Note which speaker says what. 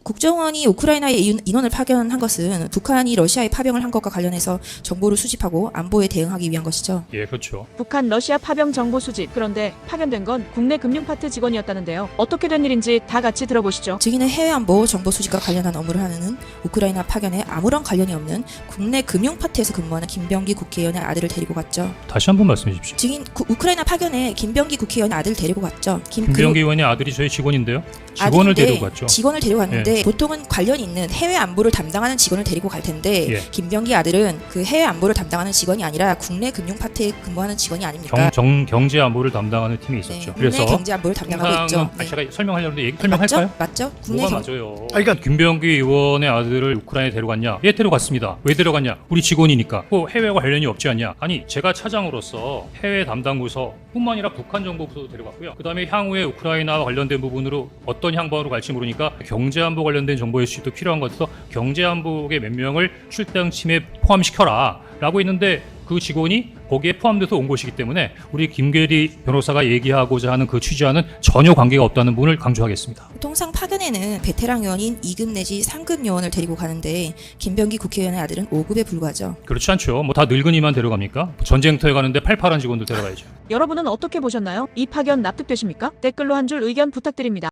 Speaker 1: 국정원이 우크라이나에 인원을 파견한 것은 북한이 러시아에 파병을 한 것과 관련해서 정보를 수집하고 안보에 대응하기 위한 것이죠.
Speaker 2: 예, 그렇죠.
Speaker 3: 북한 러시아 파병 정보 수집. 그런데 파견된 건 국내 금융파트 직원이었다는데요. 어떻게 된 일인지 다 같이 들어보시죠.
Speaker 1: 증인은 해외 안보 정보 수집과 관련한 업무를 하는 우크라이나 파견에 아무런 관련이 없는 국내 금융파트에서 근무하는 김병기 국회의원의 아들을 데리고 갔죠.
Speaker 2: 다시 한번 말씀해 주십시오.
Speaker 1: 증인 우크라이나 파견에 김병기 국회의원의 아들을 데리고 갔죠.
Speaker 2: 김병기 의원의 아들이 저희 직원인데요. 직원을 데리고 갔죠.
Speaker 1: 직원을 데리고 갔는데 보통은 관련 있는 해외 안보를 담당하는 직원을 데리고 갈 텐데
Speaker 2: 예.
Speaker 1: 김병기 아들은 그 해외 안보를 담당하는 직원이 아니라 국내 금융파트에 근무하는 직원이 아닙니까?
Speaker 2: 경제 안보를 담당하는 팀이 있었죠.
Speaker 1: 네,
Speaker 2: 그래서
Speaker 1: 국내 경제 안보를 담당하고 있죠. 네.
Speaker 2: 제가 설명하려는데 설명할까요?
Speaker 1: 맞죠? 국내
Speaker 2: 뭐가 맞아요?
Speaker 4: 그러니까
Speaker 2: 김병기 의원의 아들을 우크라이나에 데려갔냐? 예, 데려갔습니다. 왜 데려갔냐? 우리 직원이니까. 뭐 해외와 관련이 없지 않냐? 아니, 제가 차장으로서 해외 담당 부서뿐만 아니라 북한 정보부서도 데려갔고요. 그다음에 향후에 우크라이나와 관련된 부분으로 어떤 향방으로 갈지 모르니까 경제안보 관련된 정보의 수집도 필요한 것 같아서 경제안보국의 몇 명을 출당팀에 포함시켜라 라고 했는데 그 직원이 거기에 포함돼서 온 것이기 때문에 우리 김계리 변호사가 얘기하고자 하는 그 취지와는 전혀 관계가 없다는 부분을 강조하겠습니다.
Speaker 1: 통상 파견에는 베테랑 요원인 2급 내지 3급 요원을 데리고 가는데 김병기 국회의원의 아들은 5급에 불과하죠.
Speaker 2: 그렇지 않죠. 뭐 다 늙은이만 데려갑니까? 전쟁터에 가는데 팔팔한 직원들 데려가야죠.
Speaker 3: 여러분은 어떻게 보셨나요? 이 파견 납득되십니까? 댓글로 한 줄 의견 부탁드립니다.